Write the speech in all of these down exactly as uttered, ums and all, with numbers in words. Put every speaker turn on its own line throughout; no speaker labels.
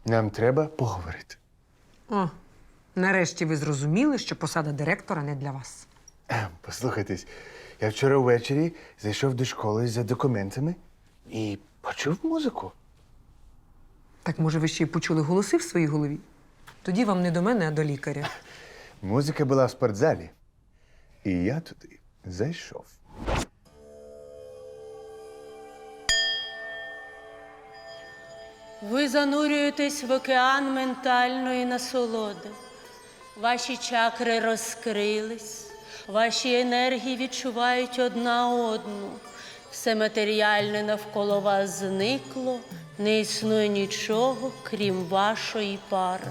Нам треба поговорити.
О, нарешті ви зрозуміли, що посада директора не для вас.
Ем, Послухайтесь, я вчора ввечері зайшов до школи за документами і почув музику.
Так, може, ви ще й почули голоси в своїй голові? Тоді вам не до мене, а до лікаря.
Музика була в спортзалі. І я туди зайшов.
Ви занурюєтесь в океан ментальної насолоди. Ваші чакри розкрились, ваші енергії відчувають одна одну. Все матеріальне навколо вас зникло, не існує нічого, крім вашої пари.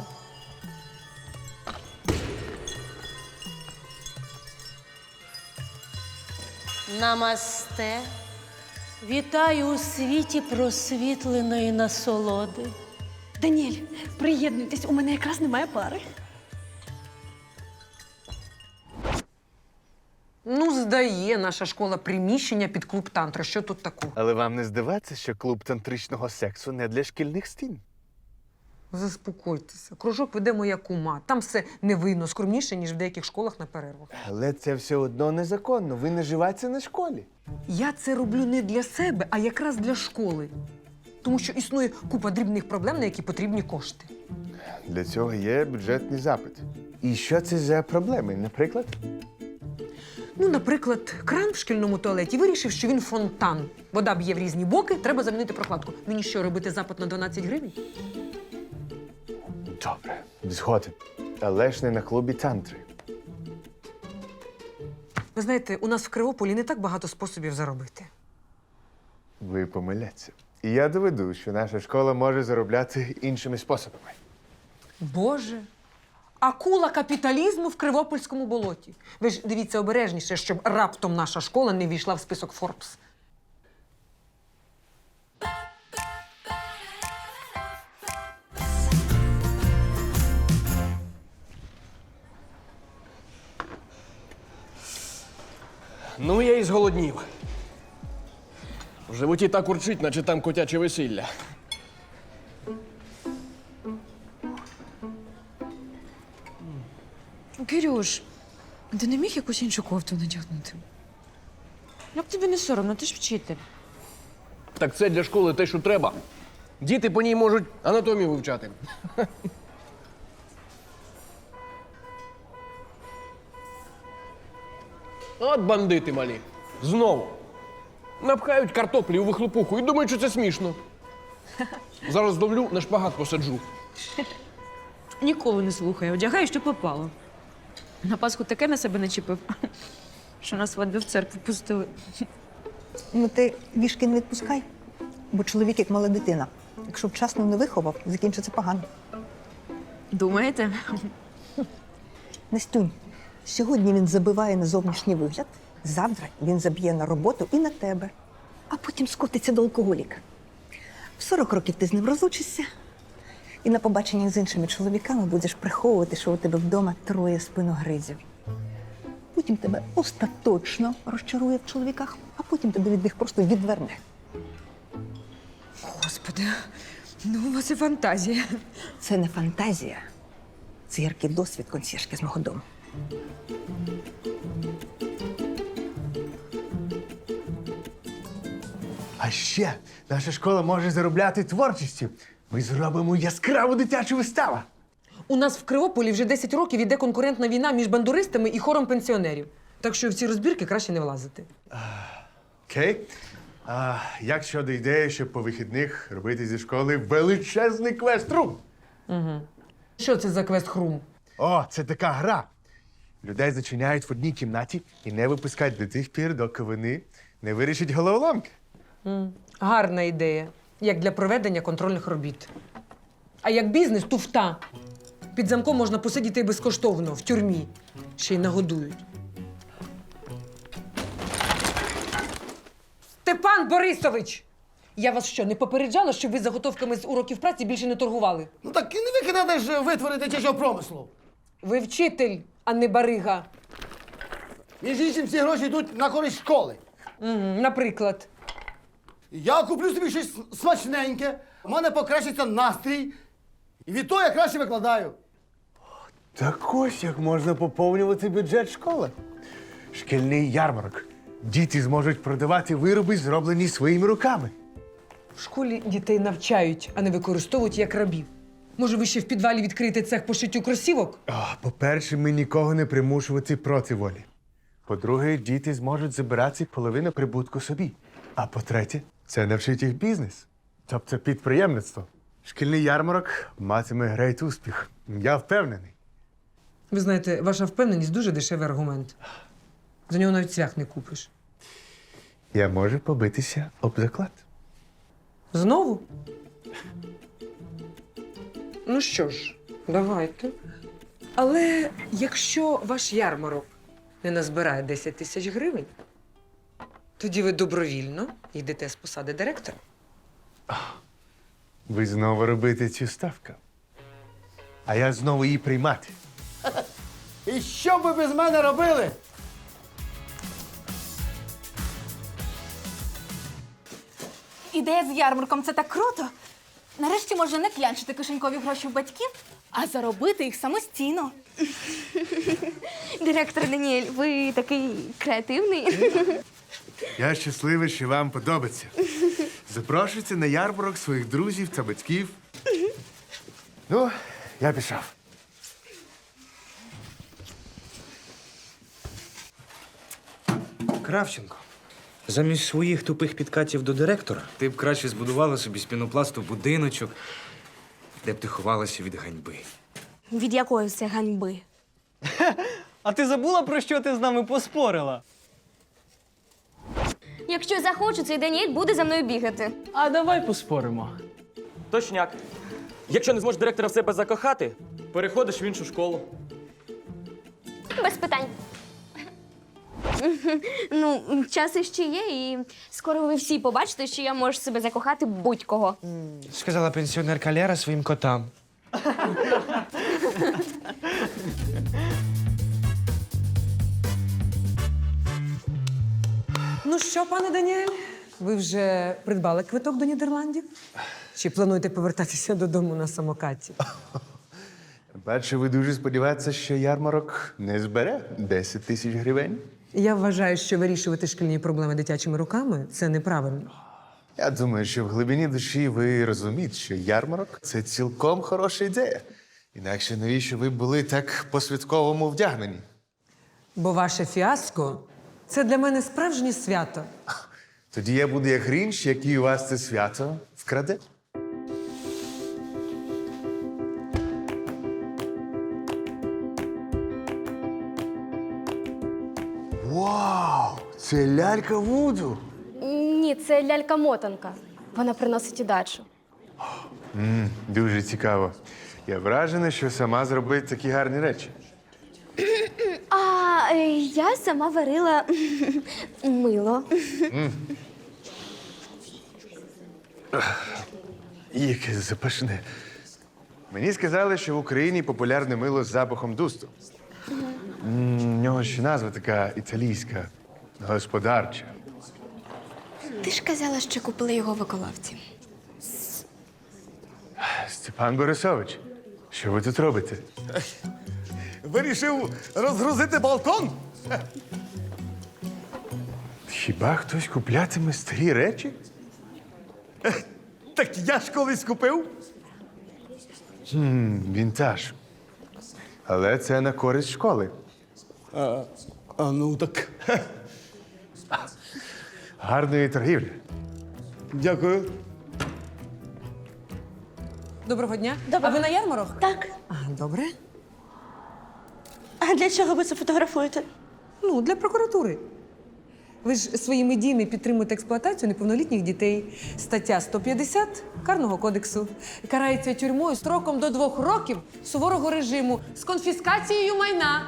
Намасте. Вітаю у світі просвітленої насолоди.
Даніель, приєднуйтесь, у мене якраз немає пари.
Ну, здає наша школа приміщення під клуб тантри. Що тут такого?
Але вам не здавається, що клуб тантричного сексу не для шкільних стін?
Заспокойтеся. Кружок веде моя кума. Там все невинно, скромніше, ніж в деяких школах на перервах.
Але це все одно незаконно. Ви наживаєтеся на школі.
Я це роблю не для себе, а якраз для школи. Тому що існує купа дрібних проблем, на які потрібні кошти.
Для цього є бюджетний запит. І що це за проблеми, наприклад?
Ну, наприклад, кран в шкільному туалеті вирішив, що він фонтан. Вода б'є в різні боки, треба замінити прокладку. Мені що, робити запит на дванадцять гривень?
Добре, згоден. Але ж не на клубі тантри.
Ви знаєте, у нас в Кривополі не так багато способів заробити.
Ви помиляться. І я доведу, що наша школа може заробляти іншими способами.
Боже, акула капіталізму в Кривопольському болоті. Ви ж дивіться обережніше, щоб раптом наша школа не війшла в список Форбс.
Ну, я і зголоднів. В животі так урчить, наче там котяче весілля.
Кирюш, ти не міг якусь іншу кофту надягнути? Як тобі не соромно, ти ж вчитель.
Так це для школи те, що треба. Діти по ній можуть анатомію вивчати. От бандити малі. Знову. Напхають картоплі у вихлопуху і думають, що це смішно. Зараз зловлю, на шпагат посаджу.
Ніколи не слухай, одягай, що попало. На Пасху таке на себе начепив, що на свадьбу в церкву пустили.
Ну, ти вішки не відпускай, бо чоловік як мала дитина. Якщо вчасно не виховав, закінчиться погано.
Думаєте?
Настюнь, сьогодні він забиває на зовнішній вигляд, завтра він заб'є на роботу і на тебе, а потім скотиться до алкоголіка. В сорок років ти з ним розлучишся, і на побаченнях з іншими чоловіками будеш приховувати, що у тебе вдома троє спиногризів. Потім тебе остаточно розчарує в чоловіках, а потім тебе від них просто відверне.
Господи, ну у вас і фантазія.
Це не фантазія. Це яркий досвід консьєржки з мого дому.
А ще наша школа може заробляти творчістю. Ми зробимо яскраву дитячу виставу.
У нас в Кривополі вже десять років іде конкурентна війна між бандуристами і хором пенсіонерів. Так що в ці розбірки краще не влазити.
Окей. А як щодо ідеї, щоб по вихідних робити зі школи величезний квест-рум?
Що це за квест-хрум?
О, це така гра. Людей зачиняють в одній кімнаті і не випускають до тих пір, доки вони не вирішать головоломки.
Гарна ідея, як для проведення контрольних робіт. А як бізнес – туфта. Під замком можна посидіти і безкоштовно, в тюрмі. Ще й нагодують. Степан Борисович! Я вас що, не попереджала, щоб ви заготовками з уроків праці більше не торгували?
Ну так і не викидати ж витвори дитячого промислу.
Ви вчитель, а не барига.
Між іншим, всі гроші йдуть на користь школи.
Угу, наприклад.
Я куплю собі щось смачненьке, у мене покращиться настрій, І від того я краще викладаю.
Так ось як можна поповнювати бюджет школи. Шкільний ярмарок. Діти зможуть продавати вироби, зроблені своїми руками.
В школі дітей навчають, а не використовують як рабів. Може, ви ще в підвалі відкриєте цех по шиттю кросівок?
А, по-перше, ми нікого не примушувати проти волі. По-друге, діти зможуть забирати половину прибутку собі. А по-третє, це навчить їх бізнес. Тобто підприємництво. Шкільний ярмарок матиме грейт успіх. Я впевнений.
Ви знаєте, ваша впевненість дуже дешевий аргумент. За нього навіть цвях не купиш.
Я можу побитися об заклад.
Знову? Ну що ж, давайте. Але якщо ваш ярмарок не назбирає десять тисяч гривень, тоді ви добровільно йдете з посади директора.
Ви знову робите цю ставку. А я знову її приймати.
І що б ви без мене робили?
Ідея з ярмарком це так круто. Нарешті можна не клянчити кишенькові гроші в батьків, а заробити їх самостійно.
Директор Даніель, ви такий креативний.
Я щасливий, що вам подобається. Запрошуйте на ярмарок своїх друзів та батьків. Ну, я пішов.
Кравченко, замість своїх тупих підкатів до директора ти б краще збудувала собі з пінопласту будиночок, де б ти ховалася від ганьби.
Від якої це ганьби?
А ти забула, про що ти з нами поспорила?
Якщо захочу, цей Даніель буде за мною бігати.
А давай поспоримо.
Точняк. Якщо не зможеш директора в себе закохати, переходиш в іншу школу.
Без питань. Ну, час іще є, і скоро ви всі побачите, що я можу себе закохати будь-кого.
Сказала пенсіонерка Лера своїм котам.
Ну що, пане Даніель, ви вже придбали квиток до Нідерландів? Чи плануєте повертатися додому на самокаті?
Перше, ви дуже сподіваєтеся, що ярмарок не збере десять тисяч гривень?
Я вважаю, що вирішувати шкільні проблеми дитячими руками – це неправильно.
Я думаю, що в глибині душі ви розумієте, що ярмарок – це цілком хороша ідея. Інакше навіщо ви були так по-святковому вдягнені?
Бо ваше фіаско – це для мене справжнє свято.
Тоді я буду як Грінч, який у вас це свято вкраде. Вау! Це лялька Вуду!
Ні, це лялька-мотанка. Вона приносить удачу.
М, дуже цікаво. Я вражений, що сама зробить такі гарні речі.
А е, я сама варила мило.
Яке запашне. Мені сказали, що в Україні популярне мило з запахом дусту. М, У нього ще назва така італійська, господарча.
Ти ж казала, що купили його в Околовці.
Степан Борисович, що ви тут робите?
Вирішив розгрузити балкон?
Хіба хтось куплятиме старі речі?
Так я ж колись купив.
М, Вінтаж. Але це на користь школи.
А, а ну так.
Гарної торгівлі.
Дякую.
Доброго дня. А ви на ярмарок?
Так.
А, добре.
А для чого ви це фотографуєте?
Ну, для прокуратури. Ви ж своїми діями підтримуєте експлуатацію неповнолітніх дітей. Стаття сто п'ятдесят Карного кодексу. Карається тюрмою строком до двох років суворого режиму з конфіскацією майна.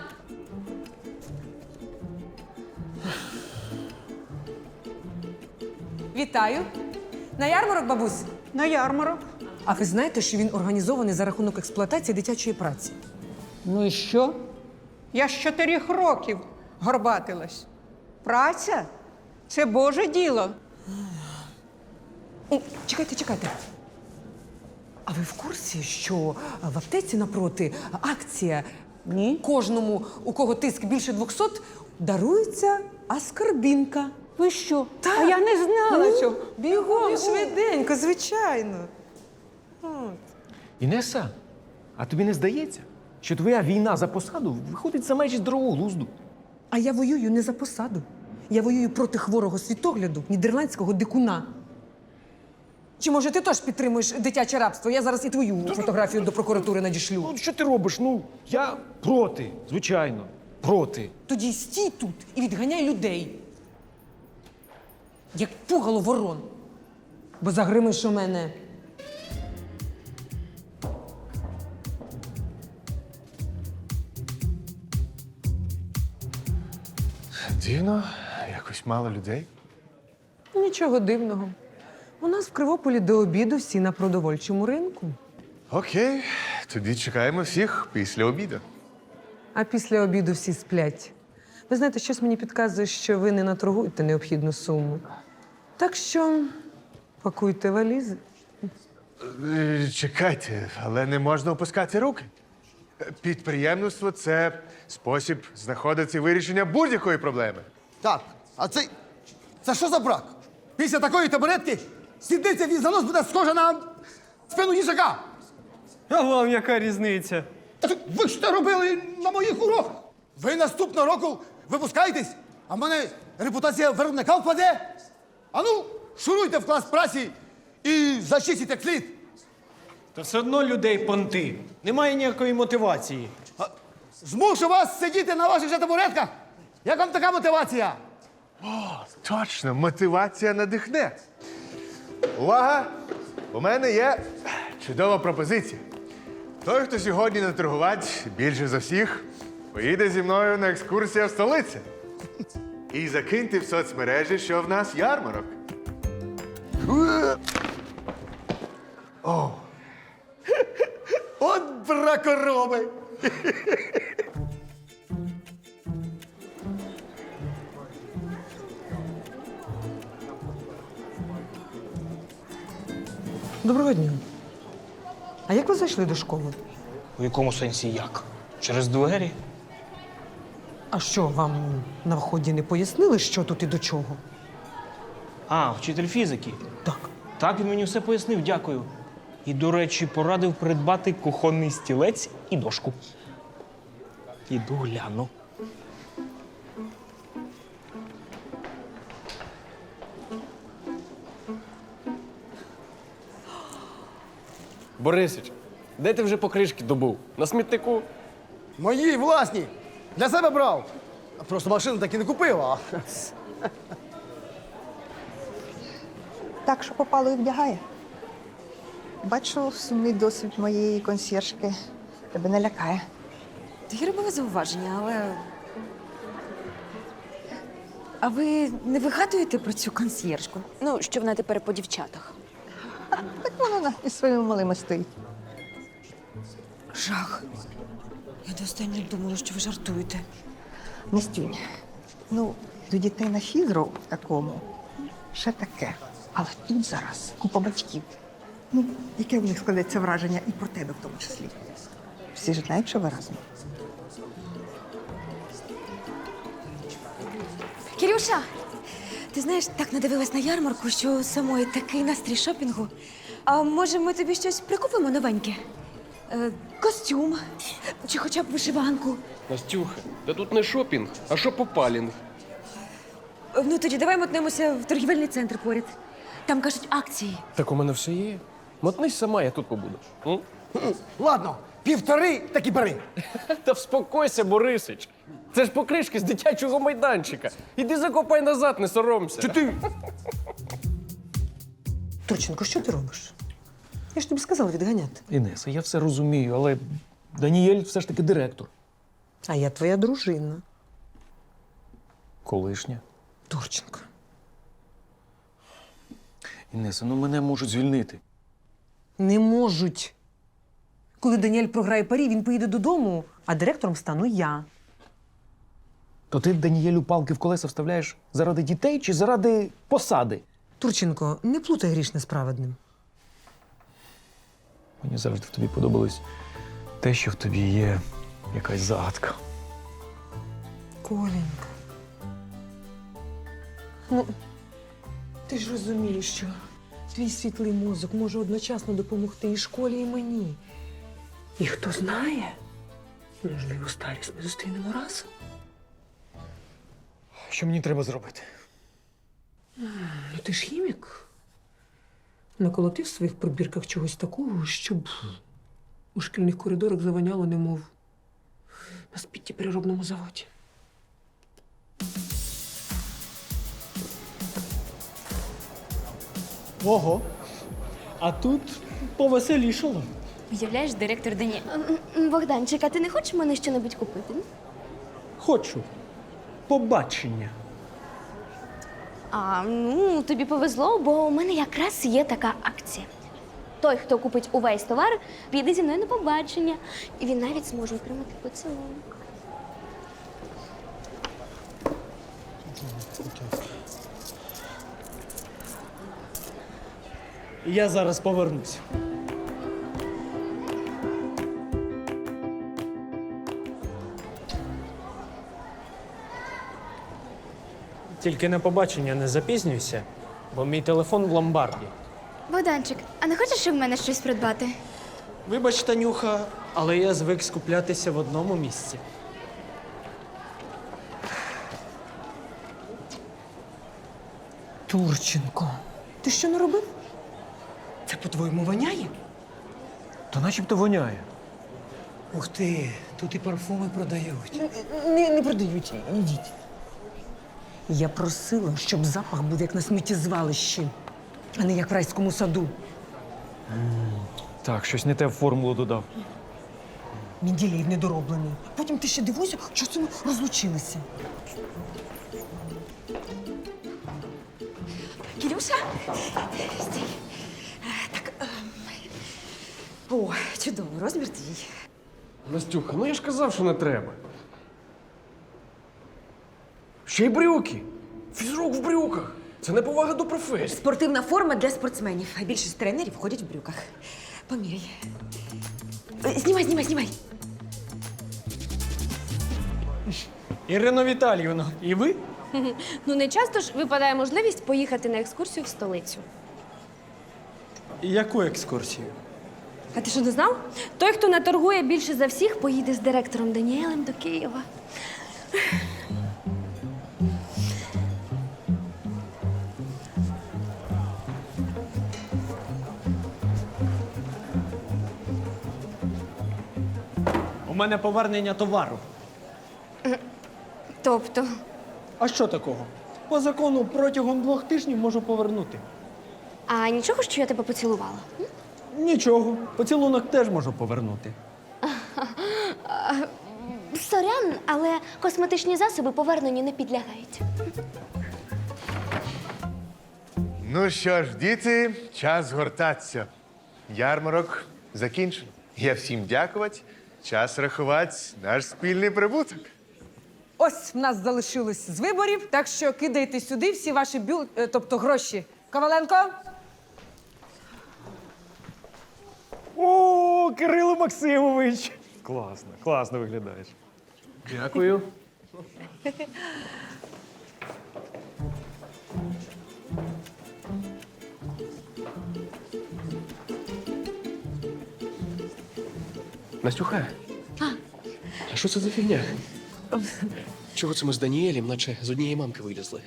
Вітаю. На ярмарок, бабусь?
На ярмарок.
А ви знаєте, що він організований за рахунок експлуатації дитячої праці?
Ну і що? Я з чотирьох років горбатилась. Праця – це Боже діло.
О, чекайте, чекайте. А ви в курсі, що в аптеці напроти акція Ні. кожному, у кого тиск більше двохсот, дарується аскорбінка.
Ви що?
Так.
А я не знала
Ну,
цього.
Бігом, швиденько, звичайно.
Інеса, а тобі не здається, що твоя війна за посаду виходить за межі здорового глузду?
А я воюю не за посаду. Я воюю проти хворого світогляду нідерландського дикуна. Чи може ти теж підтримуєш дитяче рабство? Я зараз і твою фотографію до прокуратури надішлю.
Ну, що ти робиш? Ну, я проти, звичайно, проти.
Тоді стій тут і відганяй людей. Як пугало ворон. Бо загримиш у мене.
Дивно, якось мало людей.
Нічого дивного. У нас в Кривополі до обіду всі на продовольчому ринку.
Окей, тоді чекаємо всіх після обіду.
А після обіду всі сплять. Ви знаєте, щось мені підказує, що ви не наторгуєте необхідну суму. Так що пакуйте валізи.
Е, Чекайте, але не можна опускати руки. Е, Підприємництво це спосіб знаходити вирішення будь-якої проблеми.
Так, а це. Це що за брак? Після такої табуретки сідниця від занос буде схожа на спину їжака.
А вам яка різниця?
Та так ви ж це робили на моїх уроках. Ви наступного року випускаєтесь, а в мене репутація виробника впаде. А ну, шуруйте в клас праці і зачистіть як слід.
Та все одно людей понти. Немає ніякої мотивації.
Змушу вас сидіти на ваших же табуретках. Як вам така мотивація?
Точно, мотивація надихне. Увага! У мене є чудова пропозиція. Той, хто сьогодні наторгувать більше за всіх, поїде зі мною на екскурсію в столицю. І закиньте в соцмережі, що в нас ярмарок. О,
От бракороби!
Доброго дня. А як ви зайшли до школи?
У якому сенсі як? Через двері?
А що, вам на вході не пояснили, що тут і до чого?
А, вчитель фізики.
Так.
Так, він мені все пояснив, дякую. І, до речі, порадив придбати кухонний стілець і дошку. Іду гляну.
Борисич, де ти вже покришки добув? На смітнику?
Мої власні. Для себе брав. Просто машину так і не купив, а.
Так, що попало і вдягає. Бачу, сумний досвід моєї консьєржки тебе не лякає.
Таке робили зауваження, але. А ви не вигадуєте про цю консьєржку? Ну, що вона тепер по дівчатах.
Так вона із своїми малими стоїть.
Жах. Я до останнього думала, що ви жартуєте.
Настюнь, ну, до дітей на фізру в такому ще таке. Але тут зараз купа батьків. Ну, яке в них складеться враження і про тебе в тому числі. Всі ж знають, що ви разом.
Кирюша, ти знаєш, так надивилась на ярмарку, що самої такий настрій шопінгу. А може, ми тобі щось прикупимо новеньке? Е, костюм чи хоча б вишиванку.
Настюха, та тут не шопінг, а шопопалінг.
Е, Ну, тоді давай мотнемося в торгівельний центр поряд. Там, кажуть, акції.
Так у мене все є. Мотнись сама, я тут побуду. М?
Ладно, півтори, так і бери.
Та вспокойся, Борисич. Це ж покришки з дитячого майданчика. Іди закопай назад, не соромся.
Чи ти?
Турченко, що ти робиш? Я ж тобі сказала відганяти.
Інеса, я все розумію, але Даніель все ж таки директор.
А я твоя дружина.
Колишня.
Турченко.
Інеса, ну мене можуть звільнити.
Не можуть. Коли Даніель програє парі, він поїде додому, а директором стану я.
То ти Даніелю палки в колеса вставляєш заради дітей чи заради посади?
Турченко, не плутай грішне з праведним.
Мені завжди в тобі подобалось те, що в тобі є якась загадка.
Коленька. Ну, ти ж розумієш, що твій світлий мозок може одночасно допомогти і школі, і мені. І хто знає, можливо, старість ми зустрінемо разом.
Що мені треба зробити?
Ну, ти ж хімік. Наколотив в своїх пробірках чогось такого, щоб у шкільних коридорах завоняло, немов на спітті переробному заводі.
Ого. А тут повеселішало.
Уявляєш, директор Дані. Богданчик, а ти не хочеш мене щось купити?
Хочу. Побачення.
А, ну, тобі повезло, бо у мене якраз є така акція. Той, хто купить увесь товар, піде зі мною на побачення. І він навіть зможе отримати поцілунок.
Я зараз повернусь. Тільки на побачення не запізнюйся, бо мій телефон в ломбарді.
Богданчик, а не хочеш в мене щось придбати?
Вибач, Танюха, але я звик скуплятися в одному місці.
Турченко, ти що не робив? Це по-твоєму воняє?
То начебто воняє. Ух ти, тут і парфуми продають.
Не, не продають, ідіть. Я просила, щоб запах був як на сміттєзвалищі, а не як в райському саду.
Так, щось не те в формулу додав.
Мінділеєв недороблений. Потім ти ще дивуйся, що це ми розлучилися.
Кирюша? Стій. Так. ем. О, чудовий розмір твій.
Настюха, ну я ж казав, що не треба. Ще й брюки. Фізрук в брюках. Це неповага до професії.
Спортивна форма для спортсменів. А більшість тренерів ходять в брюках. Поміряй. Е, Знімай, знімай, знімай.
Ірино Віталіївно, і ви?
Ну, не часто ж випадає можливість поїхати на екскурсію в столицю.
Яку екскурсію?
А ти що, не знав? Той, хто наторгує більше за всіх, поїде з директором Даніелем до Києва.
У мене повернення товару.
Тобто,
А що такого? По закону протягом двох тижнів можу повернути.
а нічого, що я тебе поцілувала?
Нічого, поцілунок теж можу повернути.
Сорян, але косметичні засоби поверненню не підлягають.
Ну що ж, діти, час згортатися. Ярмарок закінчено. Я всім дякувати. Час рахувати наш спільний прибуток.
Ось в нас залишилось з виборів, так що кидайте сюди всі ваші бюл... е, тобто гроші. Коваленко?
О, Кирило Максимович! Класно, класно виглядаєш.
Дякую. Настюха, а що це за фігня? Чого це ми з Даніелем, наче з однієї мамки вилізли?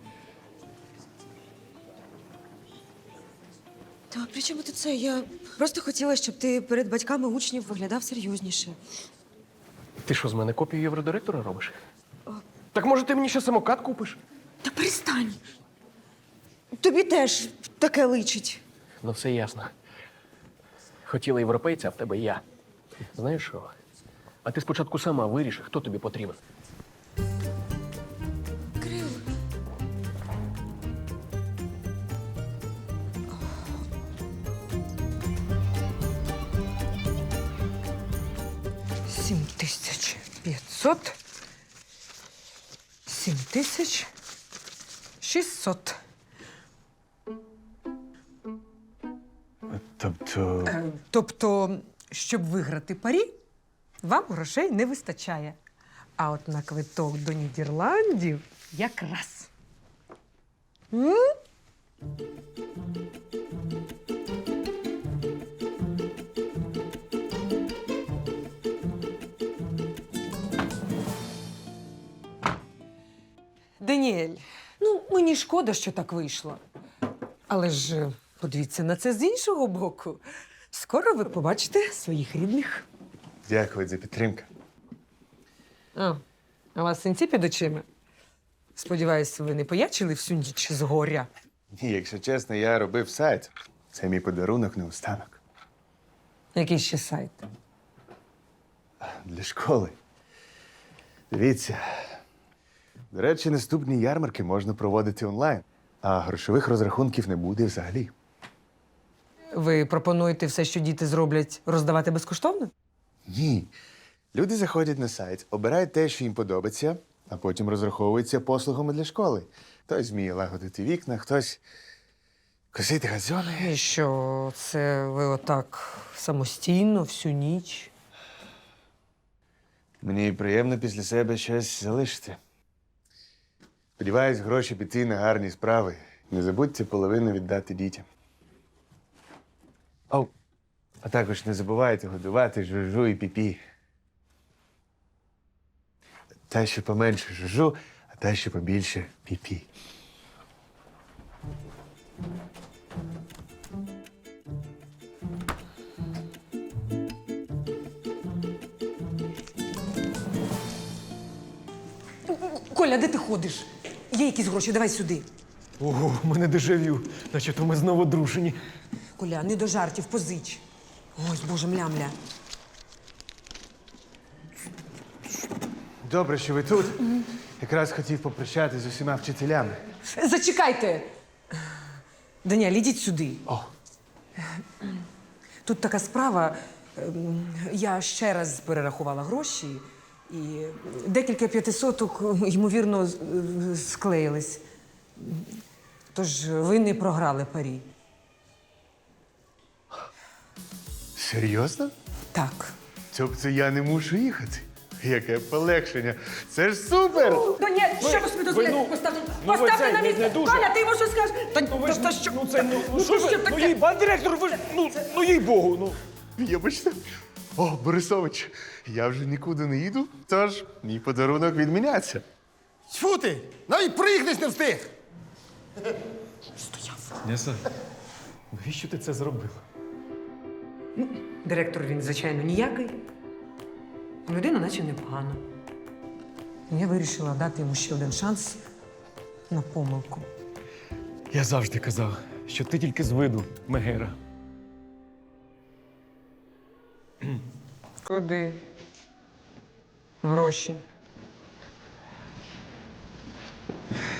Та при чому тут це? Я просто хотіла, щоб ти перед батьками учнів виглядав серйозніше.
Ти що, з мене копію євродиректора робиш? Так може ти мені ще самокат купиш?
Та перестань. Тобі теж таке личить.
Ну, все ясно. Хотіла європейця, а в тебе я. Знаєш що? А ти спочатку сама виріши, хто тобі потрібен.
Кирил.
Сім тисяч п'ятсот. Сім тисяч шістсот.
Тобто.
Тобто, щоб виграти парі, вам грошей не вистачає. А от на квиток до Нідерландів якраз. М? Даніель, ну мені шкода, що так вийшло. Але ж е, подивіться на це з іншого боку. Скоро ви побачите своїх рідних.
Дякую за підтримку.
А, а у вас синці під очима? Сподіваюсь, ви не поячили всю ніч з горя.
Ні, якщо чесно, я робив сайт. Це мій подарунок наостанок.
Який ще сайт?
Для школи. Дивіться. До речі, наступні ярмарки можна проводити онлайн, а грошових розрахунків не буде взагалі.
Ви пропонуєте все, що діти зроблять, роздавати безкоштовно?
Ні. Люди заходять на сайт, обирають те, що їм подобається, а потім розраховуються послугами для школи. Хтось вміє лагодити вікна, хтось косити газони.
І що, це ви отак самостійно всю ніч?
Мені приємно після себе щось залишити. Сподіваюсь, гроші піти на гарні справи. Не забудьте половину віддати дітям. О, а також не забувайте годувати жужу і піпі. Та, що поменше жужу, а та, що побільше піпі.
Коля, де ти ходиш? Є якісь гроші, давай сюди.
Ого, у мене дежавю, наче то ми знову дружені.
Коля, не до жартів, позич. Ой, боже, мля-мля.
Добре, що ви тут. Якраз хотів попрощатися з усіма вчителями.
Зачекайте! Даніель, ідіть сюди.
О.
Тут така справа. ем, Я ще раз перерахувала гроші, і декілька п'ятисоток, ймовірно, з- з- склеїлись. Тож ви не програли парі.
Серйозно?
Так.
Тобто я не мушу їхати? Яке полегшення. Це ж супер!
Даніель, що ви собі дозволяєте?
ну,
Поставте,
ну, ви
поставте
це,
на
не-
місце!
не дуже.
Коля, ти йому що скажеш? Та,
Ну ви
та-
ж,
та що?
ну це, ну, ну що
що
ви, ну
таке?
їй, пан директор, ви ж, ну, ну їй Богу, ну.
Вибачте. О, Борисович, я вже нікуди не їду, тож мій подарунок відміняться.
Тьфу ти! Навіть проїхатись не встиг!
Неса, навіщо ти це зробив?
Директор він, звичайно, ніякий. Людина наче непогана. Я вирішила дати йому ще один шанс на помилку.
Я завжди казав, що ти тільки з виду, Мегера.
Куди? Гроші.